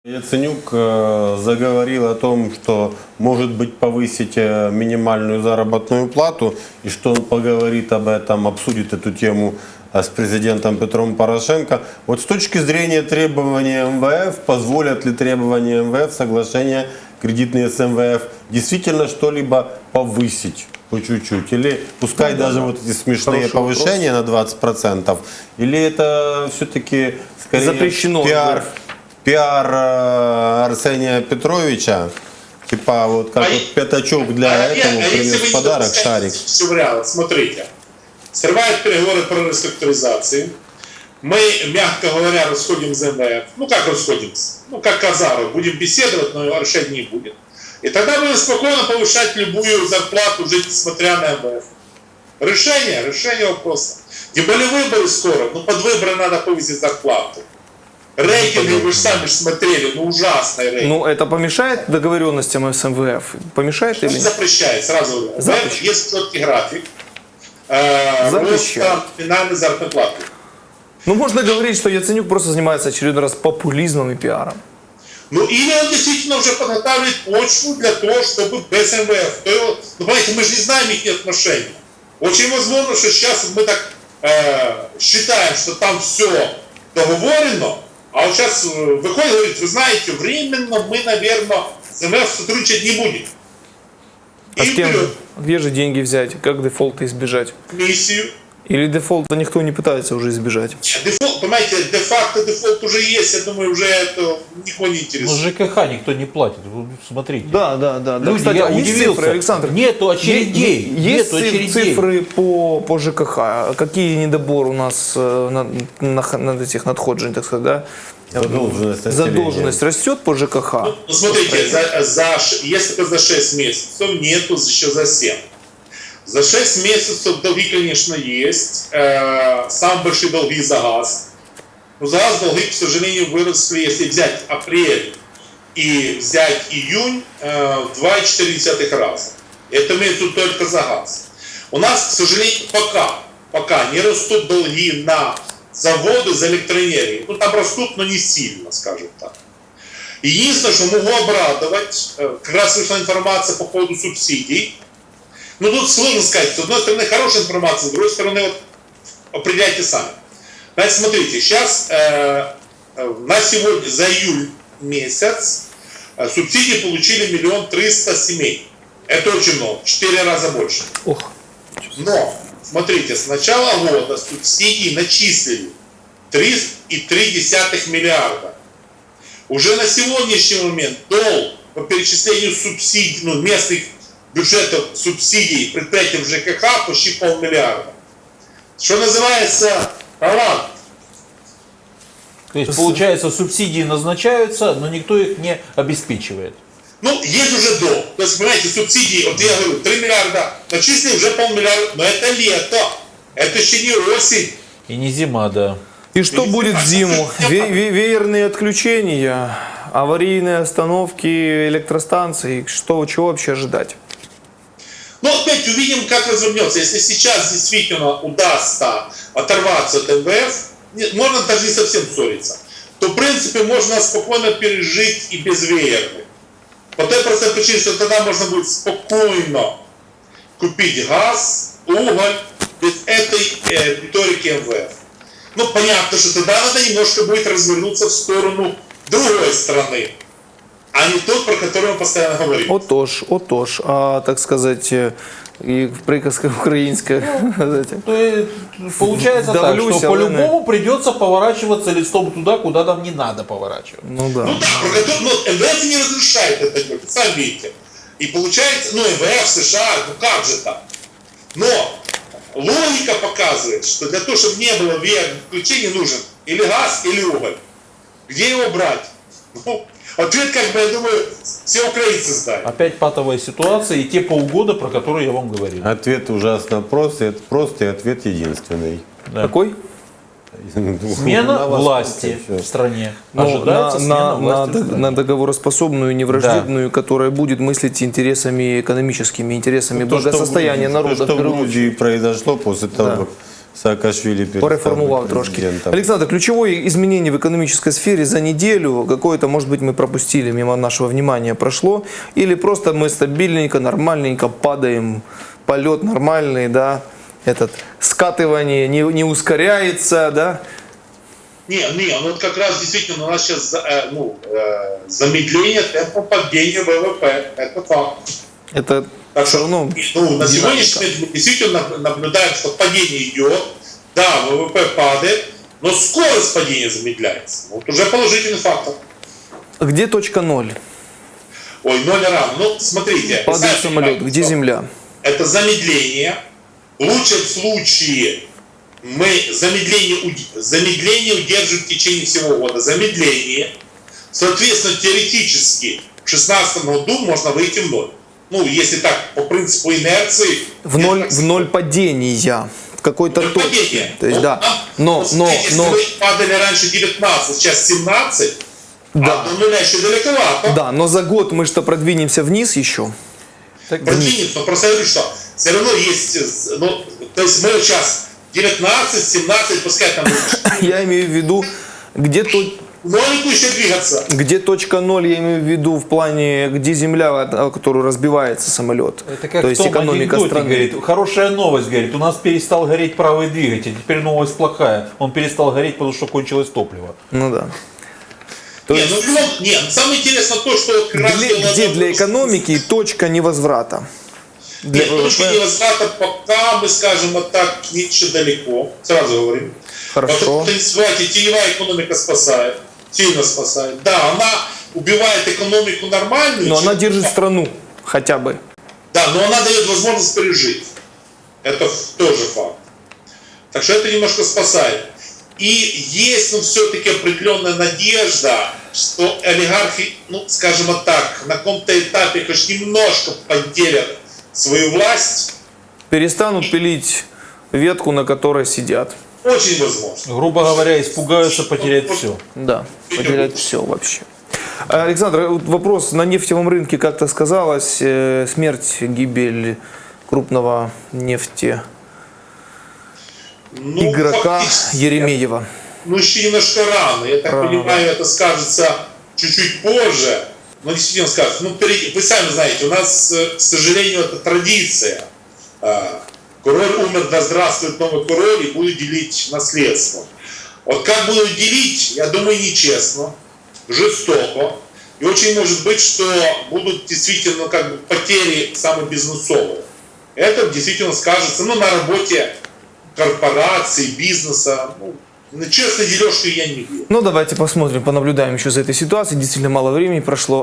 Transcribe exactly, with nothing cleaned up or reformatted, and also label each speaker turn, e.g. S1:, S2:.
S1: Яценюк э, заговорил о том, что может быть повысить э, минимальную заработную плату, и что он поговорит об этом, обсудит эту тему э, с президентом Петром Порошенко. Вот с точки зрения требований эм вэ эф, позволят ли требования эм вэ эф, соглашения кредитные с эм вэ эф, действительно что-либо повысить по чуть-чуть? Или пускай ну, даже да, вот эти смешные Хороший повышения вопрос. На двадцать процентов, или это все-таки скорее
S2: запрещено,
S1: пиар?
S2: Да.
S1: Пиар Арсения Петровича, типа вот как а вот пятачок для а этому а принес подарок, шарик.
S3: Все в реал. Смотрите, срывают переговоры про реструктуризацию. Мы, мягко говоря, расходим с эм вэ эф. Ну как расходимся? Ну как казары. Будем беседовать, но решения не будет. И тогда будем спокойно повышать любую зарплату, жить несмотря на эм вэ эф. Решение, решение вопроса. Тем более выборы скоро. Ну под выборы надо повысить зарплату. Рейтинги, вы же сами смотрели, ну ужасные рейтинги.
S2: Ну это помешает договоренностям с эм вэ эф? Помешает
S3: Что
S2: или нет?
S3: Запрещает, сразу говорю.
S2: Запрещает.
S3: Есть четкий график э, роста финальной заработной платы.
S2: Ну можно говорить, что Яценюк просто занимается очередной раз популизмом и пиаром.
S3: Ну или он действительно уже подготавливает почву для того, чтобы без эм вэ эф. То его, ну понимаете, мы же не знаем их отношений. Очень возможно, что сейчас мы так э, считаем, что там все договорено. А вот сейчас выходит и говорит, вы знаете, временно мы, наверное, с эм вэ эф сотрудничать не будем.
S2: А с кем же? Где же деньги взять? Как дефолта избежать?
S3: Миссию.
S2: Или дефолта никто не пытается уже избежать?
S3: Дефолт, понимаете, де-факто дефолт уже есть, я думаю, уже это никого не интересует.
S4: Но жэ ка ха никто не платит, смотрите.
S2: Да, да, да.
S4: Люди,
S2: Кстати,
S4: я
S2: а есть
S4: удивился.
S2: цифры, Александр?
S4: Нету очередей.
S2: Есть
S4: Нету очередей.
S2: цифры по, по жэ ка ха? Какие недоборы у нас на, на, на этих надходжень, так сказать, да?
S1: Задолженность,
S2: Задолженность растет по жэ ка ха?
S3: Ну, смотрите, за, за, если только за шесть месяцев, нету еще за семь. За шесть месяцев долги, конечно, есть. Э, самые большие долги за газ. Но за газ долги, к сожалению, выросли, если взять апрель и взять июнь, э, в два и четыре десятых раза. Это имеется только за газ. У нас, к сожалению, пока, пока не растут долги на заводы за электроэнергию. Ну, там растут, но не сильно, скажем так. Единственное, что могу обрадовать, э, как раз вышла информация по поводу субсидий. Ну, тут сложно сказать. С одной стороны, хорошая информация, с другой стороны, вот, определяйте сами. Значит, смотрите, сейчас э, на сегодня, за июль месяц, э, субсидии получили миллион триста семей. Это очень много, в четыре раза больше.
S2: Ох.
S3: Но, смотрите, с начала года субсидии начислили три и три десятых миллиарда. Уже на сегодняшний момент долг по перечислению субсидий, ну, местных бюджетов субсидий предприятиям жэ ка ха почти полмиллиарда. Что называется талант.
S4: То есть, получается, субсидии назначаются, но никто их не обеспечивает.
S3: Ну, есть уже долг. То есть, понимаете, субсидии, вот я говорю, три миллиарда, начислили уже полмиллиарда, но это лето, это еще не осень.
S4: И не зима, да.
S2: И что
S3: И
S2: будет в зиму? Ве ве веерные отключения, аварийные остановки электростанций, что, чего вообще ожидать?
S3: Ну, опять увидим, как развернется. Если сейчас действительно удастся оторваться от эм вэ эф, можно даже не совсем ссориться, то, в принципе, можно спокойно пережить и без веерных. По той простой причине, что тогда можно будет спокойно купить газ, уголь без этой э, риторики эм вэ эф. Ну, понятно, что тогда надо немножко будет развернуться в сторону другой страны, а не тот, про который мы постоянно говорим.
S2: Отож, отож, а так сказать, и приказка украинская.
S4: То есть, получается так, что по-любому придется поворачиваться листом туда, куда нам не надо поворачивать.
S2: Ну да.
S3: Ну да, про который, ну, эм вэ эф не разрешает это делать, сами видите. И получается, ну, эм вэ эф, США, ну как же так? Но логика показывает, что для того, чтобы не было веерных включений, нужен или газ, или уголь. Где его брать? Ну, ответ, как бы, я думаю, все украинцы знают.
S4: Опять патовая ситуация и те полгода, про которые я вам говорил.
S1: Ответ ужасно прост, и прост, и ответ единственный.
S4: Да.
S2: Какой?
S4: Смена власти в стране.
S2: Ну,
S4: Ожидается
S2: на,
S4: смена
S2: на,
S4: власти
S2: на,
S4: в стране.
S2: на договороспособную, невраждебную, да, которая будет мыслить интересами экономическими, интересами
S1: то,
S2: благосостояния
S1: что,
S2: народа.
S1: То, что в Грузии произошло после того,
S2: да,
S1: как Саакашвили перестал
S2: Пореформував
S1: быть
S2: трошки.
S1: президентом.
S2: Александр, ключевое изменение в экономической сфере за неделю, какое-то, может быть, мы пропустили, мимо нашего внимания прошло, или просто мы стабильненько, нормальненько падаем, полет нормальный, да, этот скатывание не, не ускоряется, да?
S3: Не, не, ну вот как раз действительно у нас сейчас э, ну, э, замедление темпа падения ВВП. Это факт.
S2: Это
S3: Так
S2: все
S3: что,
S2: равно
S3: ну, на
S2: динамика.
S3: сегодняшний день мы действительно наблюдаем, что падение идет. Да, ВВП падает, но скорость падения замедляется. Вот уже положительный фактор.
S2: Где точка ноль?
S3: Ой, ноль равно. Ну, смотрите. вы
S2: Падает
S3: сами
S2: самолет,
S3: понимаете,
S2: где
S3: что
S2: земля?
S3: Это замедление. В лучшем случае мы замедление, уд- замедление удерживаем в течение всего года. Замедление. Соответственно, теоретически в две тысячи шестнадцатом году можно выйти в ноль. Ну, если так, по принципу инерции.
S2: В ноль, в ноль падения. В какой-то
S3: Ноль
S2: точке.
S3: падения.
S2: То есть,
S3: Ну,
S2: да.
S3: нам,
S2: Но,
S3: вот
S2: но,
S3: смотрите,
S2: но,
S3: если мы падали раньше девятнадцать, сейчас семнадцать,
S2: Да.
S3: а до нуля еще далековато.
S2: да, но за год мы что продвинемся вниз еще.
S3: Продвинется, но просто я говорю, что все равно есть, ну, то есть мы вот сейчас девятнадцать, семнадцать, пускай там
S2: Я имею в виду, где, то,
S3: нолику еще двигаться.
S2: где точка ноль, я имею в виду в плане, где земля, о которую разбивается самолет.
S4: Это как
S2: То
S4: в
S2: есть
S4: том
S2: экономика
S4: анекдоте,
S2: страны.
S4: говорит, хорошая новость, говорит, у нас перестал гореть правый двигатель, теперь новость плохая, он перестал гореть, потому что кончилось топливо.
S2: Ну да. То
S3: Не,
S2: есть,
S3: ну, в любом- не, самое интересное то, что вот как раз
S2: для-
S3: дело
S2: где
S3: в том,
S2: для
S3: что-
S2: экономики точка невозврата? Для
S3: Нет, точки
S2: ВВП?
S3: невозврата пока мы скажем вот так еще далеко, сразу говорим.
S2: Хорошо.
S3: Потому что, не забывайте, теневая экономика спасает, сильно спасает. Да, она убивает экономику нормальную.
S2: Но она
S3: чем-
S2: держит страну хотя бы.
S3: Да, но она дает возможность пережить. Это ф- тоже факт. Так что это немножко спасает. И есть, ну, все-таки определенная надежда, что олигархи, ну, скажем вот так, на каком-то этапе хоть немножко поделят свою власть.
S2: Перестанут пилить ветку, на которой сидят.
S3: Очень возможно.
S4: Грубо говоря, испугаются потерять все.
S2: Да, потерять все вообще. Александр, вот вопрос. На нефтевом рынке как-то сказалась э, смерть, гибель крупного нефти
S3: Ну,
S2: игрока
S3: фактически,
S2: Еремеева.
S3: Ну, еще немножко рано. Я так
S2: Рано.
S3: понимаю, это скажется чуть-чуть позже. Но действительно скажется. Ну, впереди- вы сами знаете, у нас, э, к сожалению, это традиция. А, Король умер, да здравствует новый король, и будет делить наследство. Вот как будут делить, я думаю, нечестно, жестоко. И очень может быть, что будут действительно как бы потери самые бизнесовые. Это действительно скажется, ну, на работе корпораций, бизнеса. Ну, на честной дележки я не верю.
S2: Ну, давайте посмотрим, понаблюдаем еще за этой ситуацией. Действительно мало времени прошло.